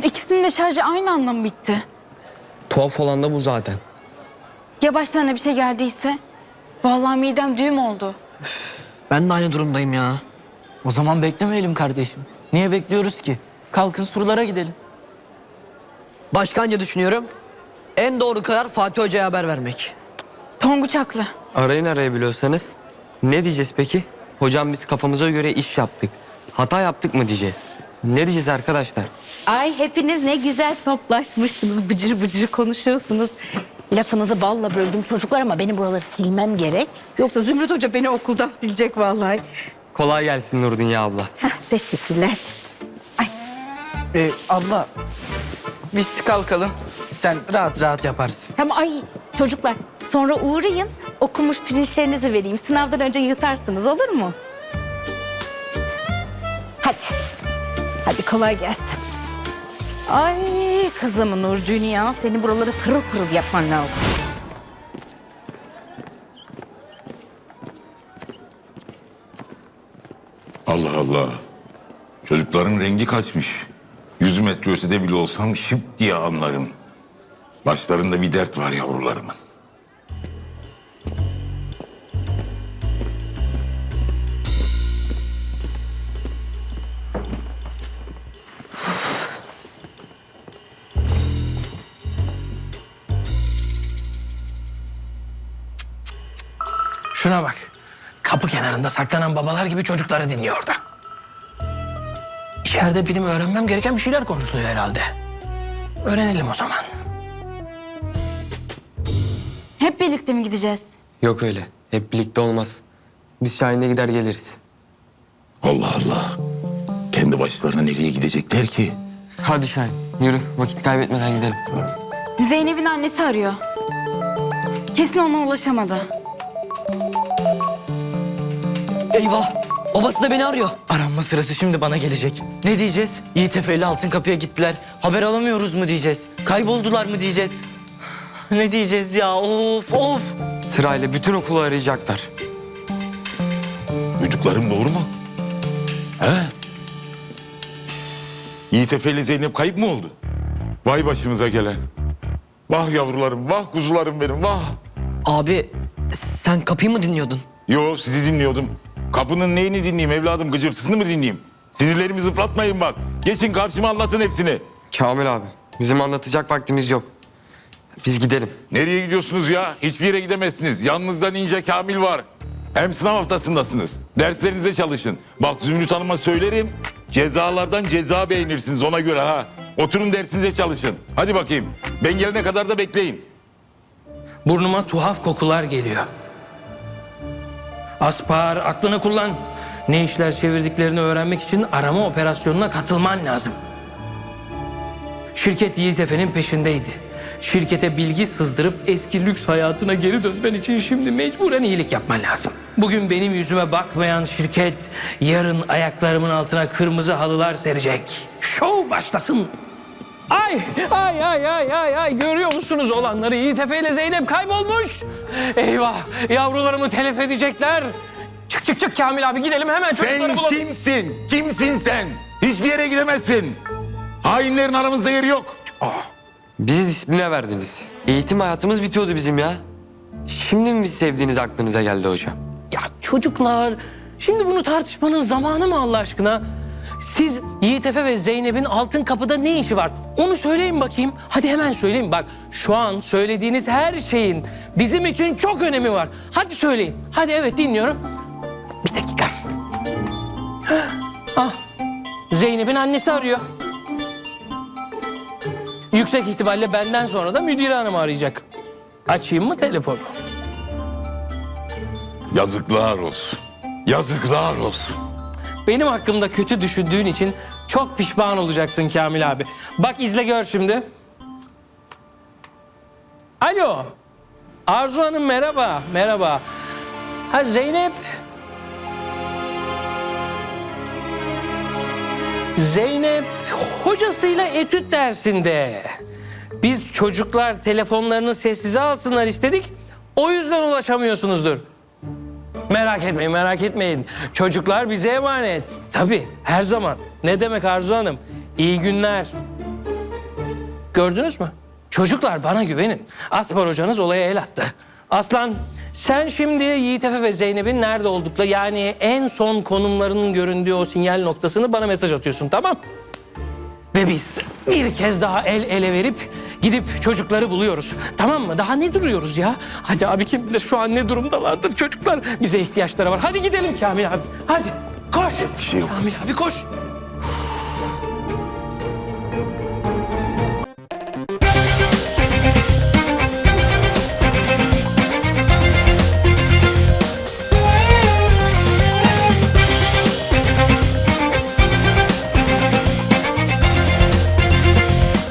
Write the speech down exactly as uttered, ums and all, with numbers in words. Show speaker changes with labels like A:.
A: İkisinin de şarjı aynı anda mı bitti?
B: Tuhaf olan da bu zaten.
A: Ya başlarına bir şey geldiyse? Vallahi midem düğüm oldu.
C: Ben de aynı durumdayım ya.
D: O zaman beklemeyelim kardeşim. Niye bekliyoruz ki? Kalkın surlara gidelim.
C: Başkanca düşünüyorum. En doğru karar Fatih Hoca'ya haber vermek.
A: Tonguç haklı.
B: Arayın arayabiliyorsanız. Ne diyeceğiz peki? Hocam biz kafamıza göre iş yaptık. Hata yaptık mı diyeceğiz? Ne diyeceğiz arkadaşlar?
E: Ay hepiniz ne güzel toplaşmışsınız. Bıcır bıcır konuşuyorsunuz. Lafınızı balla böldüm çocuklar ama benim buraları silmem gerek. Yoksa Zümrüt Hoca beni okuldan silecek vallahi.
B: Kolay gelsin Nurdünya abla.
E: Heh, teşekkürler.
D: Ee, abla biz kalkalım. Sen rahat rahat yaparsın.
E: Tamam ay çocuklar sonra uğrayın. Okumuş pirinçlerinizi vereyim. Sınavdan önce yutarsınız olur mu? Hadi. Hadi kolay gelsin. Ay kızım Nur Dünya senin buraları pırıl pırıl yapman lazım.
F: Allah Allah. Çocukların rengi kaçmış. Yüz metre ötede bile olsam şıp diye anlarım. Başlarında bir dert var yavrularımın.
G: Şuna bak. Kapı kenarında saklanan babalar gibi çocukları dinliyor orada. İçeride benim öğrenmem gereken bir şeyler konuşuluyor herhalde. Öğrenelim o zaman.
A: Hep birlikte mi gideceğiz?
B: Yok öyle. Hep birlikte olmaz. Biz Şahin'e gider geliriz.
F: Allah Allah. Kendi başlarına nereye gidecekler ki?
B: Hadi Şahin yürü. Vakit kaybetmeden gidelim.
A: Zeynep'in annesi arıyor. Kesin ona ulaşamadı.
C: Eyvah! Babası da beni arıyor.
D: Aranma sırası şimdi bana gelecek. Ne diyeceğiz? Yiğit Efe ile Altın Kapı'ya gittiler. Haber alamıyoruz mu diyeceğiz? Kayboldular mı diyeceğiz? Ne diyeceğiz ya? Of of!
B: Sırayla bütün okulu arayacaklar.
F: Duyduklarım doğru mu? He? Yiğit Efe ile Zeynep kayıp mı oldu? Vay başımıza gelen. Vah yavrularım, vah kuzularım benim, vah.
C: Abi sen kapıyı mı dinliyordun?
F: Yo sizi dinliyordum. Kapının neyini dinleyeyim evladım, gıcırtısını mı dinleyeyim? Sinirlerimi zıplatmayın bak. Geçin karşıma anlatın hepsini.
B: Kamil abi bizim anlatacak vaktimiz yok. Biz gidelim.
F: Nereye gidiyorsunuz ya? Hiçbir yere gidemezsiniz. Yanınızda Ninja Kamil var. Hem sınav haftasındasınız. Derslerinize çalışın. Bak Zümrüt Hanım'a söylerim. Cezalardan ceza beğenirsiniz ona göre ha. Oturun dersinize çalışın. Hadi bakayım. Ben gelene kadar da bekleyin.
G: Burnuma tuhaf kokular geliyor. Aspar aklını kullan. Ne işler çevirdiklerini öğrenmek için arama operasyonuna katılman lazım. Şirket Yiğit Efe'nin peşindeydi. Şirkete bilgi sızdırıp eski lüks hayatına geri dönmen için şimdi mecburen iyilik yapman lazım. Bugün benim yüzüme bakmayan şirket yarın ayaklarımın altına kırmızı halılar serecek. Şov başlasın. Ay ay ay ay ay ay görüyor musunuz olanları? Yiğit Efe ile Zeynep kaybolmuş. Eyvah yavrularımı telef edecekler. Çık çık çık Kamil abi gidelim hemen çocukları
F: Sen
G: bulalım.
F: kimsin? Kimsin sen? Hiçbir yere gidemezsin. Hainlerin aramızda yeri yok.
B: Bizi disipline verdiniz. Eğitim hayatımız bitiyordu bizim ya. Şimdi mi biz sevdiğiniz aklınıza geldi hocam?
G: Ya çocuklar şimdi bunu tartışmanın zamanı mı Allah aşkına? Siz Yiğit Efe ve Zeynep'in Altın Kapı'da ne işi var? Onu söyleyin bakayım. Hadi hemen söyleyin. Bak şu an söylediğiniz her şeyin bizim için çok önemi var. Hadi söyleyin. Hadi evet dinliyorum. Bir dakika. Ah Zeynep'in annesi arıyor. Yüksek ihtimalle benden sonra da müdür hanım arayacak. Açayım mı telefonu?
F: Yazıklar olsun. Yazıklar olsun.
G: Benim hakkımda kötü düşündüğün için çok pişman olacaksın Kamil abi. Bak izle gör şimdi. Alo. Arzu Hanım merhaba. Merhaba. Ha Zeynep. Zeynep hocasıyla etüt dersinde. Biz çocuklar telefonlarını sessize alsınlar istedik. O yüzden ulaşamıyorsunuzdur. Merak etmeyin, merak etmeyin. Çocuklar bize emanet. Tabii, her zaman. Ne demek Arzu Hanım? İyi günler. Gördünüz mü? Çocuklar bana güvenin. Aspar hocanız olaya el attı. Aslan sen şimdi Yiğit Efe ve Zeynep'in nerede oldukları yani en son konumlarının göründüğü o sinyal noktasını bana mesaj atıyorsun, tamam? Ve biz bir kez daha el ele verip gidip çocukları buluyoruz. Tamam mı? Daha ne duruyoruz ya? Hadi abi, kim bilir şu an ne durumdalardır çocuklar. Bize ihtiyaçları var. Hadi gidelim Kamil abi. Hadi koş.
F: Bir şey yok.
G: Kamil abi koş.